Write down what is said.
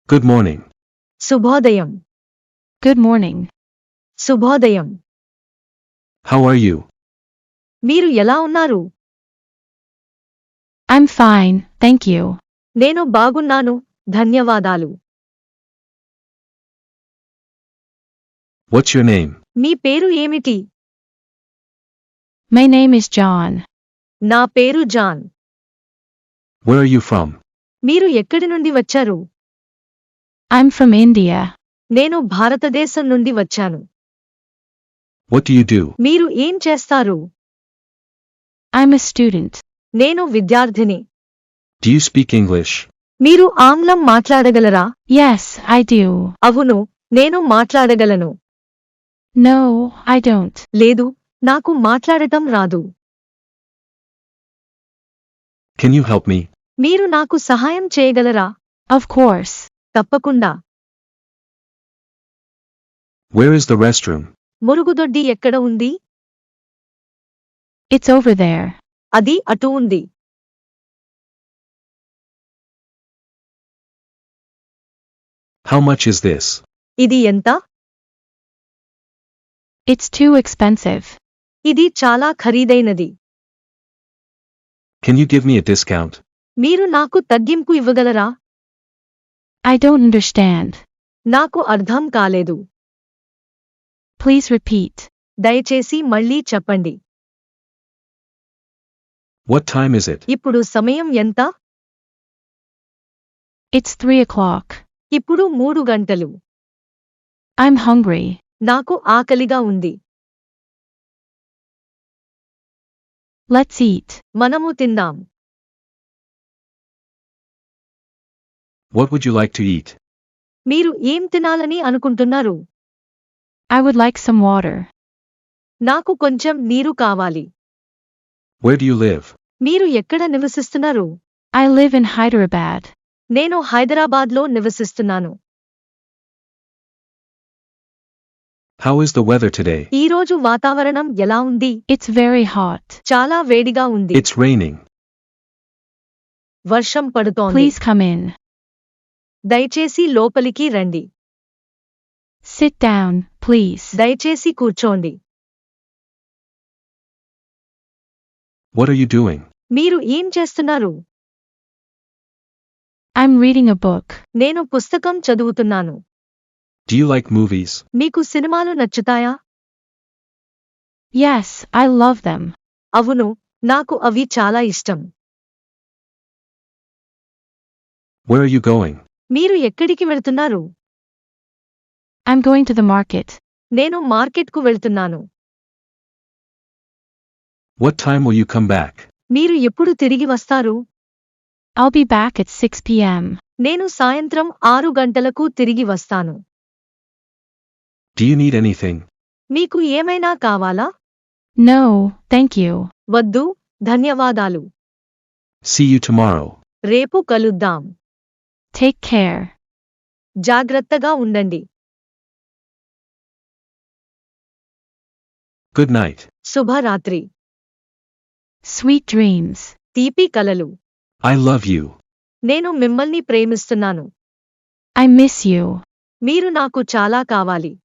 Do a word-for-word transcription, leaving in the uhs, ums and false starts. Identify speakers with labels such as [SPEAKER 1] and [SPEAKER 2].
[SPEAKER 1] Good morning.
[SPEAKER 2] శుభోదయం.
[SPEAKER 3] Good morning.
[SPEAKER 2] శుభోదయం.
[SPEAKER 1] How are you?
[SPEAKER 2] మీరు ఎలా ఉన్నారు?
[SPEAKER 3] I'm fine, thank you.
[SPEAKER 2] నేను బాగున్నాను, ధన్యవాదాలు.
[SPEAKER 1] What's your name?
[SPEAKER 2] మీ పేరు ఏమిటి?
[SPEAKER 3] My name is John.
[SPEAKER 2] నా పేరు John.
[SPEAKER 1] Where are you from?
[SPEAKER 2] మీరు ఎక్కడి నుండి వచ్చారు?
[SPEAKER 3] I'm from India.
[SPEAKER 2] నేను భారతదేశం నుండి వచ్చాను.
[SPEAKER 1] What do you do?
[SPEAKER 2] మీరు ఏం చేస్తారు?
[SPEAKER 3] I'm a student.
[SPEAKER 2] నేను విద్యార్థిని.
[SPEAKER 1] Do you speak English?
[SPEAKER 2] మీరు ఆంగ్లం మాట్లాడగలరా?
[SPEAKER 3] Yes, I do.
[SPEAKER 2] అవును, నేను మాట్లాడగలను.
[SPEAKER 3] No, I don't.
[SPEAKER 2] లేదు, నాకు మాట్లాడటం రాదు.
[SPEAKER 1] Can you help me?
[SPEAKER 2] మీరు నాకు సహాయం చేయగలరా?
[SPEAKER 3] Of course.
[SPEAKER 2] తప్పకుండా.
[SPEAKER 1] Where is the restroom?
[SPEAKER 2] మురుగుదొడ్డి ఎక్కడ ఉంది?
[SPEAKER 3] It's over there.
[SPEAKER 2] అది అటు ఉంది.
[SPEAKER 1] How much is this?
[SPEAKER 2] ఇది ఎంత?
[SPEAKER 3] It's too expensive.
[SPEAKER 2] ఇది చాలా ఖరీదైనది.
[SPEAKER 1] Can you give me a discount?
[SPEAKER 2] మీరు నాకు తగ్గింపు ఇవ్వగలరా?
[SPEAKER 3] I don't understand.
[SPEAKER 2] నాకు అర్థం కాలేదు.
[SPEAKER 3] Please repeat.
[SPEAKER 2] దయచేసి మళ్ళీ చెప్పండి.
[SPEAKER 1] What time is it?
[SPEAKER 2] ఇప్పుడు సమయం ఎంత?
[SPEAKER 3] It's three o'clock.
[SPEAKER 2] ఇప్పుడు మూడు గంటలు.
[SPEAKER 3] I'm hungry.
[SPEAKER 2] నాకు ఆకలిగా ఉంది.
[SPEAKER 3] Let's eat.
[SPEAKER 2] మనము తిందాం.
[SPEAKER 1] What would you like to eat?
[SPEAKER 2] మీరు ఏం తినాలని అనుకుంటున్నారు?
[SPEAKER 3] I would like some water.
[SPEAKER 2] నాకు కొంచెం నీరు కావాలి.
[SPEAKER 1] Where do you live?
[SPEAKER 2] మీరు ఎక్కడ నివసిస్తున్నారు?
[SPEAKER 3] I live in Hyderabad.
[SPEAKER 2] నేను హైదరాబాద్లో నివసిస్తున్నాను.
[SPEAKER 1] How is the weather today?
[SPEAKER 2] ఈ రోజు వాతావరణం ఎలా ఉంది?
[SPEAKER 3] It's very hot.
[SPEAKER 2] చాలా వేడిగా ఉంది.
[SPEAKER 1] It's raining.
[SPEAKER 2] వర్షం పడుతోంది.
[SPEAKER 3] Please come in.
[SPEAKER 2] దయచేసి లోపలికి రండి.
[SPEAKER 3] Sit down, please.
[SPEAKER 2] దయచేసి కూర్చోండి.
[SPEAKER 1] What are you doing?
[SPEAKER 2] మీరు ఏం చేస్తున్నారు?
[SPEAKER 3] I'm reading a book.
[SPEAKER 2] నేను పుస్తకం చదువుతున్నాను.
[SPEAKER 1] Do you like movies?
[SPEAKER 2] మీకు సినిమాలు నచ్చుతాయా?
[SPEAKER 3] Yes, I love them.
[SPEAKER 2] అవును, నాకు అవి చాలా ఇష్టం.
[SPEAKER 1] Where are you going?
[SPEAKER 2] మీరు ఎక్కడికి వెళ్తున్నారు?
[SPEAKER 3] I'm going to the market.
[SPEAKER 2] నేను మార్కెట్కు వెళ్తున్నాను.
[SPEAKER 1] What time will you come back?
[SPEAKER 2] మీరు ఎప్పుడు తిరిగి వస్తారు?
[SPEAKER 3] I'll be back at six p m
[SPEAKER 2] నేను సాయంత్రం ఆరు గంటలకు తిరిగి వస్తాను.
[SPEAKER 1] Do you need anything?
[SPEAKER 2] మీకు ఏమైనా కావాలా?
[SPEAKER 3] No, thank you.
[SPEAKER 2] వద్దు, ధన్యవాదాలు.
[SPEAKER 1] See you tomorrow.
[SPEAKER 2] రేపు కలుద్దాం.
[SPEAKER 3] Take care.
[SPEAKER 2] జాగ్రత్తగా ఉండండి.
[SPEAKER 1] Good night.
[SPEAKER 2] శుభరాత్రి.
[SPEAKER 3] Sweet dreams.
[SPEAKER 2] తీపి కలలు.
[SPEAKER 1] I love you.
[SPEAKER 2] నేను మిమ్మల్ని ప్రేమిస్తున్నాను.
[SPEAKER 3] I miss you.
[SPEAKER 2] మీరు నాకు చాలా కావాలి.